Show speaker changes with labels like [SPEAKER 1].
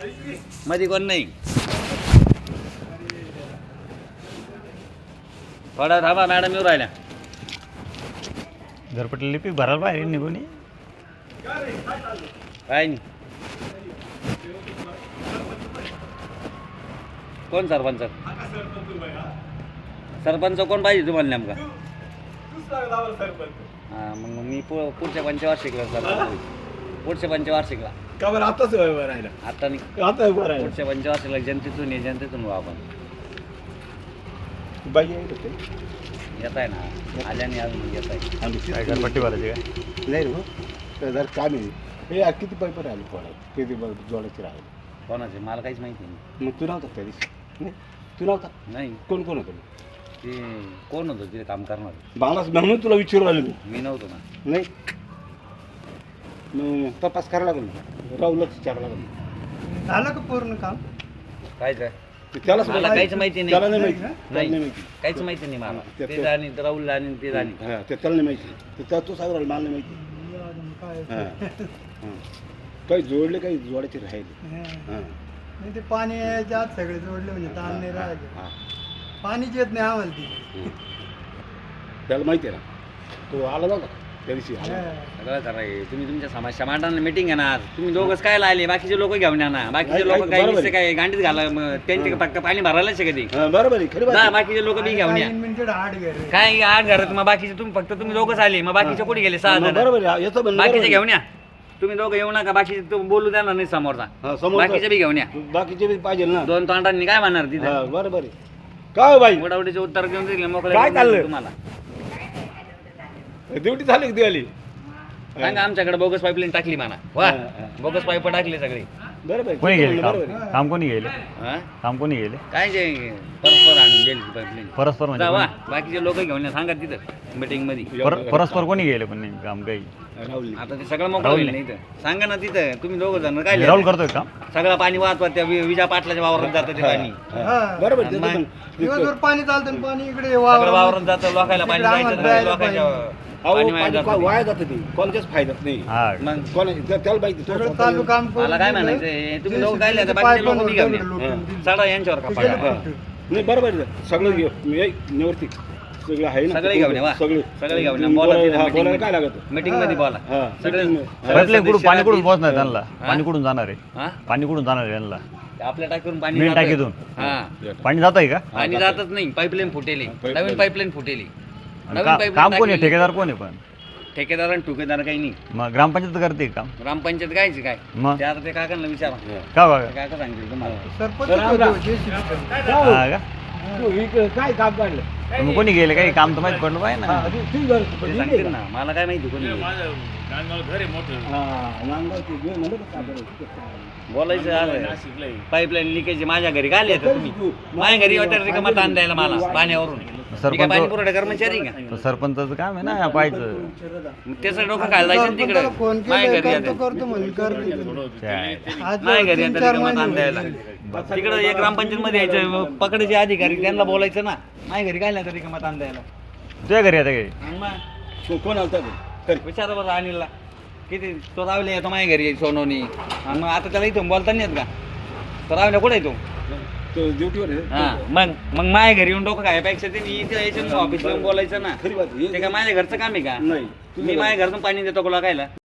[SPEAKER 1] मध्ये कोण नाही. थोडा थांबा, मॅडम येऊ राहिल्या.
[SPEAKER 2] घरपट्टी लिपी भरायला पाहिजे निघून.
[SPEAKER 1] काय नाही. कोण सरपंच? सरपंच कोण पाहिजे तुम्हाला नेमका? हां, मग मी पुढच्या पंचवार्षिकला सरपंच. पुढच्या पंचवार्षिकला
[SPEAKER 3] का बरं आताच राहिला?
[SPEAKER 1] आता नाही,
[SPEAKER 3] आता उभं राहिला
[SPEAKER 1] पुढच्या पंचवार्षिकला जनतेतून ये, जनतेतून व्हा आपण.
[SPEAKER 3] बाई आहे का ते?
[SPEAKER 1] येत आहे ना, आल्याने अजून येत आहे.
[SPEAKER 2] काय घरपट्टी भरायची काय?
[SPEAKER 3] नाही रे हो, जर काम आहे. हे यार किती पैप राहिले पोळात, किती जोडायचे राहिले.
[SPEAKER 1] कोणाचे मला काहीच माहिती नाही.
[SPEAKER 3] मग तू नव्हता त्या दिवशी? नाही तू नव्हता.
[SPEAKER 1] नाही,
[SPEAKER 3] कोण कोण होतं?
[SPEAKER 1] ते कोण होतं तिथे काम करणार?
[SPEAKER 3] मला म्हणून तुला विचारू राहिलो
[SPEAKER 1] मी नव्हतो ना.
[SPEAKER 3] नाही. मग तपास करायला लागेल, राहुलच विचारायला लागेल.
[SPEAKER 4] झालं का पूर्ण काम?
[SPEAKER 1] कायच आहे?
[SPEAKER 3] त्यालाच
[SPEAKER 1] मला काहीच माहिती नाही.
[SPEAKER 3] त्याला नाही माहिती. त्याला
[SPEAKER 1] नाही,
[SPEAKER 3] नाही माहिती.
[SPEAKER 1] काहीच माहिती नाही मला.
[SPEAKER 3] ते-
[SPEAKER 1] ते जाणी राहुल आणि ते जाणी.
[SPEAKER 3] हां ते त्याला नाही माहिती. ते त्या तू सांग मला नाही माहिती.
[SPEAKER 4] काय
[SPEAKER 3] हां हां काही जोडले, काही जोडायचे राहिले. हां
[SPEAKER 4] नाही, ते पाणी यायच्या आत सगळे जोडले म्हणजे ताण नाही राहायचे.
[SPEAKER 3] हां
[SPEAKER 4] पाणीच येत नाही आम्हाला ती.
[SPEAKER 3] त्याला माहिती आहे ना, तो आला नव्हता त्या दिवशी आला.
[SPEAKER 1] सगळं कराय. तुम्ही तुमच्या समाजच्या मांडणाला मिटिंग आहे ना. तुम्ही दोघंच काय आले, बाकीचे लोक घेऊन या ना. बाकीचे
[SPEAKER 3] नाही,
[SPEAKER 1] लोक
[SPEAKER 3] नाही,
[SPEAKER 1] काय
[SPEAKER 3] बरोबर
[SPEAKER 1] नुसते
[SPEAKER 3] आहे.
[SPEAKER 1] काय गांडीत घाला, मग त्यांचे पक्का पाणी भरायलाच आहे कधी.
[SPEAKER 3] हां बरोबर आहे, खरी बात
[SPEAKER 1] ना,
[SPEAKER 3] आहे.
[SPEAKER 1] बाकीचे लोक बी घेऊन या.
[SPEAKER 4] मिनिटेड आड घर
[SPEAKER 1] काय आठ घरात मग बाकीचे तुम्ही फक्त तुम्ही दोघंच आले, मग बाकीचे कुठे गेले? 6
[SPEAKER 3] मग
[SPEAKER 1] जण.
[SPEAKER 3] बरोबर आहे, याचं म्हणणं
[SPEAKER 1] बाकीचे
[SPEAKER 3] बरोबर
[SPEAKER 1] घेऊन या. तुम्ही दोघं येऊ नका, बाकीचे तुम्ही बोलू देणार नाही समोरचा.
[SPEAKER 3] हां, समोरचा.
[SPEAKER 1] बाकीचे बी घेऊन या.
[SPEAKER 3] बाकीचे बी पाहिजे ना.
[SPEAKER 1] 2 तोंडांनी काय म्हणणार तिथे?
[SPEAKER 3] हां बरोबर आहे. काय हो बाई,
[SPEAKER 1] मोठावडीचे उत्तर घेऊन दिले मोकळे
[SPEAKER 3] काय चाललंय?
[SPEAKER 1] तुम्हाला.
[SPEAKER 3] ड्युटी झाली का दिवाळी?
[SPEAKER 1] सांगा आमच्याकडे बोगस पाईपलाईन टाकली म्हणा. वा,
[SPEAKER 3] हां, हां.
[SPEAKER 1] बोगस पाईप टाकली सगळी.
[SPEAKER 3] बरोबर आहे,
[SPEAKER 2] कोणी गेले
[SPEAKER 3] बरोबर
[SPEAKER 2] काम?
[SPEAKER 3] आहे.
[SPEAKER 2] काम कोणी गेले?
[SPEAKER 1] हा?
[SPEAKER 2] काम कोणी गेले?
[SPEAKER 1] काय जे परस्पर आणून दिली पाईपलाईन.
[SPEAKER 2] परस्पर म्हणजे
[SPEAKER 1] वा,
[SPEAKER 2] कोणी?
[SPEAKER 1] बाकीचे लोक घेऊन या, सांगा तिथं मीटिंग मध्ये.
[SPEAKER 2] परस्पर कोणी गेले पण नाही काम काही?
[SPEAKER 3] राहुल
[SPEAKER 1] आता ते सगळं मोकळं
[SPEAKER 2] राहुल
[SPEAKER 1] होईल नाही इथं. सांगा ना तिथं तुम्ही दोघं जण काय
[SPEAKER 2] राहुल
[SPEAKER 1] लिहिलं?
[SPEAKER 2] करतोय काम?
[SPEAKER 1] सगळं पाणी वाहत त्या विजा पाटलाच्या वावरात जातं ते पाणी.
[SPEAKER 3] हां, बरोबर आहे,
[SPEAKER 1] आणि
[SPEAKER 3] त्याचं
[SPEAKER 1] मग
[SPEAKER 3] पण-
[SPEAKER 4] दिवसभर पाणी चालतं आणि पाणी इकडे
[SPEAKER 1] सगळं वावरात जातं, लोकायला पाणी
[SPEAKER 4] तिकडे
[SPEAKER 1] जायचं
[SPEAKER 4] आम्हाला
[SPEAKER 1] नाही,
[SPEAKER 4] प्यायला
[SPEAKER 1] लोकांच्या
[SPEAKER 3] अहो,
[SPEAKER 1] पाणी वाया
[SPEAKER 3] पाणी
[SPEAKER 1] जातं ते.
[SPEAKER 3] वाया जातं ते, कोणाच्याच फायद्यात नाही.
[SPEAKER 2] हा
[SPEAKER 1] मग
[SPEAKER 3] त्याला माहिती तो
[SPEAKER 4] सगळं
[SPEAKER 3] स्वतः-
[SPEAKER 4] चालू काम करून
[SPEAKER 1] मला काय
[SPEAKER 4] दिलं.
[SPEAKER 1] म्हणायचंय, तुम्ही लोक
[SPEAKER 4] JCB
[SPEAKER 1] काय लिहिता,
[SPEAKER 4] चे
[SPEAKER 1] बाकीचे
[SPEAKER 4] पाईप
[SPEAKER 1] लोक बी घेऊन या.
[SPEAKER 4] लुटून दिले.
[SPEAKER 1] चढा यांच्यावर का
[SPEAKER 4] ते
[SPEAKER 1] पाडा.
[SPEAKER 4] गेले
[SPEAKER 3] हां.
[SPEAKER 4] फुटून.
[SPEAKER 3] नाही बरोबर आहे, सगळं निवृत्ती सगळं आहे ना.
[SPEAKER 1] सगळे घेऊन या, वा.
[SPEAKER 3] सगळे
[SPEAKER 1] सगळे घेऊन या.
[SPEAKER 3] तुम्ही
[SPEAKER 1] बोला तिथं
[SPEAKER 3] हा,
[SPEAKER 1] meeting
[SPEAKER 3] बोलायला
[SPEAKER 1] मध्ये.
[SPEAKER 3] काय लागत?
[SPEAKER 1] मीटिंग मध्ये बोला.
[SPEAKER 3] हां,
[SPEAKER 1] सगळे
[SPEAKER 3] meeting मध्ये.
[SPEAKER 2] पाईपलाईन कुठून पाणी कुठून पोहोचणार
[SPEAKER 1] हा?
[SPEAKER 2] त्यांना? पाणी कुठून जाणार आहे?
[SPEAKER 1] हा?
[SPEAKER 2] पाणी कुठून जाणार आहे त्यांना?
[SPEAKER 1] आपल्या टाकीवरून पाणी
[SPEAKER 2] मेन
[SPEAKER 1] जातं.
[SPEAKER 2] टाकीतून?
[SPEAKER 1] हा,
[SPEAKER 2] पाणी जात आहे का?
[SPEAKER 1] पाणी जातच नाही. पाईपलाईन फुटेली,
[SPEAKER 3] pipeline.
[SPEAKER 1] नवीन पाईपलाईन फुटेली.
[SPEAKER 2] आणि
[SPEAKER 1] नवीन
[SPEAKER 2] का-
[SPEAKER 1] pipeline
[SPEAKER 2] काम कोणी आहे?
[SPEAKER 1] टाकलेली.
[SPEAKER 2] ठेकेदार कोण आहे पण?
[SPEAKER 1] ठेकेदार आणि ठुकेदार काही नाही.
[SPEAKER 2] मग ग्रामपंचायत करते काम?
[SPEAKER 1] ग्रामपंचायत कायची काय?
[SPEAKER 2] मग
[SPEAKER 1] ते आता ते काकांना विचारा.
[SPEAKER 2] का बघा?
[SPEAKER 1] ते काका सांगतील तुम्हाला.
[SPEAKER 4] सरपंच
[SPEAKER 3] तर आमला-
[SPEAKER 4] होते, JCB चे.
[SPEAKER 2] हा का?
[SPEAKER 3] तू इकडं काय काम काढलं?
[SPEAKER 2] मग कोणी गेले? काही काम तर माहित पडलं पाहिजे
[SPEAKER 3] हां,
[SPEAKER 2] ना.
[SPEAKER 3] तू घर
[SPEAKER 1] ते सांगतील ना, मला काय माहिती कोणी.
[SPEAKER 3] हां, नांदगाव ते घर म्हणलं का काय?
[SPEAKER 1] बोलायचं आलं पाईपलाईन लिकेज माझ्या घरी काय आले तुम्ही? माझ्या घरी होत्या रिकामा ताण द्यायला मला पाण्यावरून. मी काय पाणी पुरवठा कर्मचारी का?
[SPEAKER 2] तर सरपंचाचं काम आहे ना पाहायचं.
[SPEAKER 1] मग त्याचं डोकं खायला जायचं ना
[SPEAKER 4] सरपंचाला फोन
[SPEAKER 1] तिकडे. माझ्या
[SPEAKER 4] केला
[SPEAKER 1] घरी येते.
[SPEAKER 4] करतो म्हणून करतो.
[SPEAKER 2] काय?
[SPEAKER 4] आज
[SPEAKER 1] माझ्या घरी
[SPEAKER 4] 3-4
[SPEAKER 1] येते रिकामा ताण
[SPEAKER 4] महिने
[SPEAKER 1] द्यायला. तिकडे एक ग्रामपंचायत मध्ये यायचं, पकडायचे अधिकारी त्यांना बोलायचं ना. माझ्या घरी काय नाही रिकामा ताण द्यायला.
[SPEAKER 2] तुझ्या घरी आता काही?
[SPEAKER 1] आणि मग
[SPEAKER 3] कोण आलता ते?
[SPEAKER 1] विचारा बरं अनिलला किती तो रावले येतो माझ्या घरी सोनवणी. आणि मग आता त्याला इथून बोलता नाही येत का? तो रावल्या कुठे येतो?
[SPEAKER 3] तो ड्युटीवर आहे.
[SPEAKER 1] हा, मग माझ्या घरी येऊन डोकं खायपेक्षा ते इथे यायचं ऑफिसला येऊन बोलायचं ना.
[SPEAKER 3] खरी बात आहे.
[SPEAKER 1] ते काय माझ्या घरचं काम आहे का?
[SPEAKER 3] नाही
[SPEAKER 1] मी माझ्या घरातून पाणी देतो का लोकायला?